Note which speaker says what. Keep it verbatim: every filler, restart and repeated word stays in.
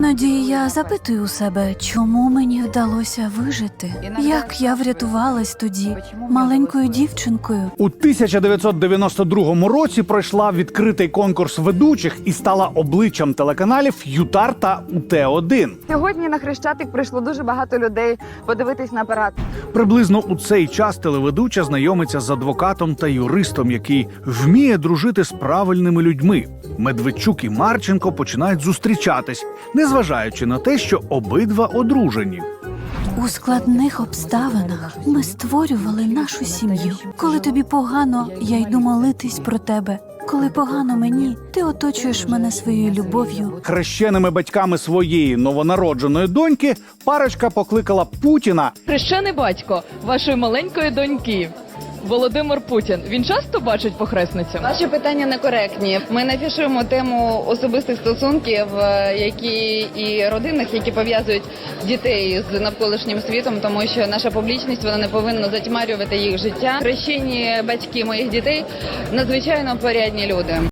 Speaker 1: Іноді я запитую у себе, чому мені вдалося вижити? Як я врятувалась тоді, маленькою дівчинкою?
Speaker 2: У тисяча дев'ятсот дев'яносто другому році пройшла відкритий конкурс ведучих і стала обличчям телеканалів ЮТАР та У Т один.
Speaker 3: Сьогодні на Хрещатик прийшло дуже багато людей подивитись на парад.
Speaker 2: Приблизно у цей час телеведуча знайомиться з адвокатом та юристом, який вміє дружити з правильними людьми. Медведчук і Марченко починають зустрічатись, незважаючи на те, що обидва одружені.
Speaker 1: У складних обставинах ми створювали нашу сім'ю. Коли тобі погано, я йду молитись про тебе. Коли погано мені, ти оточуєш мене своєю любов'ю.
Speaker 2: Хрещеними батьками своєї новонародженої доньки парочка покликала Путіна.
Speaker 4: Хрещений батько вашої маленької доньки Володимир Путін. Він часто бачить похресницю?
Speaker 3: Ваші питання некоректні. Ми не афішуємо тему особистих стосунків, які і родинних, які пов'язують дітей з навколишнім світом, тому що наша публічність, вона не повинна затьмарювати їх життя. Хрещені батьки моїх дітей надзвичайно порядні люди.